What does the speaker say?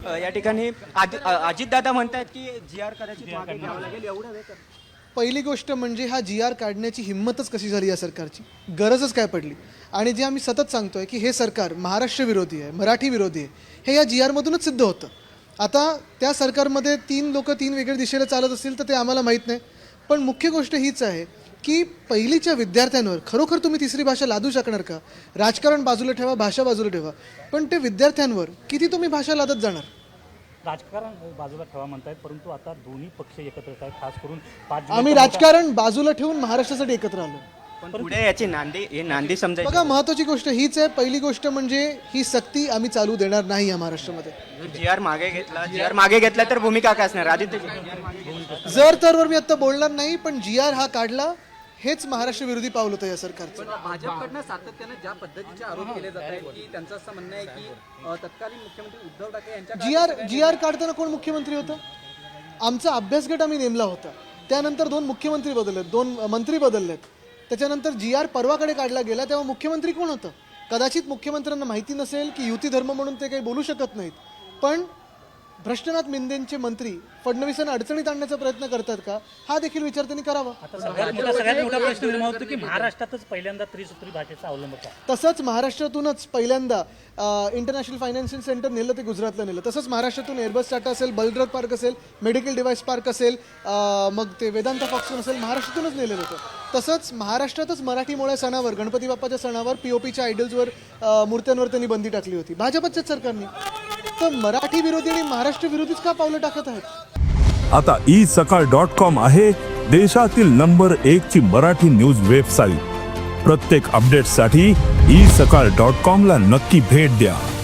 या ठिकाणी अजितदादा म्हणतात की जी आर कदाचित मागे घ्यावं लागेल, एवढा वेळ पहिली गोष्ट म्हणजे हा जी आर काढण्याची हिंमतच कशी झाली या सरकारची, गरजच काय पडली. आणि जे आम्ही सतत सांगतोय की हे सरकार महाराष्ट्र विरोधी आहे, मराठी विरोधी आहे, हे या जी आरमधूनच सिद्ध होतं. आता त्या सरकारमध्ये 3 लोक 3 वेगळ्या दिशेला चालत असतील तर ते आम्हाला माहीत नाही, पण मुख्य गोष्ट हीच आहे की पहिलीच्या विद्यार्थ्यांवर खरोखर तुम्ही तिसरी भाषा लादू शकणार का? राजकारण बाजूला ठेवा, भाषा बाजूला ठेवा, पण ते विद्यार्थ्यांवर किती तुम्ही भाषा लादत जाणार? राजकारण बाजूला ठेवा म्हणतायत, परंतु आता दोन्ही पक्ष एकत्र आहेत, खास करून आम्ही राजकारण बाजूला ठेवून महाराष्ट्रासाठी एकत्र आलो. पण पुढे याची नांदी समजायची. बघा, महत्त्वाची गोष्ट हीच आहे. पहिली गोष्ट म्हणजे ही सक्ती आम्ही चालू देणार नाही या महाराष्ट्रामध्ये. जी आर मागे घेतला तर भूमिका काय असणार आदित्य? जर तरवर मी आता बोलणार नाही, पण जी आर हा काढला हेच महाराष्ट्र विरोधी पाऊल होतं या सरकारचं. भाजपकडनं सातत्याने ज्या पद्धतीचे आरोप केले जात आहेत की त्यांचं असं म्हणणं आहे की तत्कालीन मुख्यमंत्री उद्धव ठाकरे यांच्या जी आर काढताना कोण मुख्यमंत्री होतं? आमचा अभ्यासगट आम्ही नेमला होता. त्यानंतर 2 मुख्यमंत्री बदललेत, 2 मंत्री बदललेत. त्याच्यानंतर जी आर परवाकडे काढला गेला तेव्हा मुख्यमंत्री कोण होतं? कदाचित मुख्यमंत्र्यांना माहिती नसेल की युती धर्म म्हणून ते काही बोलू शकत नाहीत, पण भ्रष्टनाथ मिंदेंचे मंत्री फडणवीसांना अडचणीत आणण्याचा प्रयत्न करतात का, हा देखील विचार त्यांनी करावा. सगळ्यात मोठा प्रश्न निर्माण होतो की महाराष्ट्रातच पहिल्यांदा त्रिसूत्री भाषेचा अवलंब का? तसंच महाराष्ट्रातूनच पहिल्यांदा इंटरनॅशनल फायनान्शियल सेंटर नेलं, ते गुजरातला नेलं. तसंच महाराष्ट्रातून एअरबस टाटा असेल, बलद्रथ पार्क असेल, मेडिकल डिव्हाइस पार्क असेल, मग ते वेदांता फॉक्सकॉन असेल, महाराष्ट्रातूनच नेलेलं होतं. तसंच महाराष्ट्रातच मराठीमोळ्या सणावर, गणपती बाप्पाच्या सणावर POPच्या आयडल्सवर, मूर्त्यांवर त्यांनी बंदी टाकली होती भाजपच्याच सरकारने. तर मराठी विरोधी आणि महाराष्ट्र विरोधीच का पावलं टाकत आहेत? आता isakal.com आहे देशातील नंबर 1 ची मराठी न्यूज वेबसाईट. प्रत्येक अपडेटसाठी isakal.com ला नक्की भेट द्या.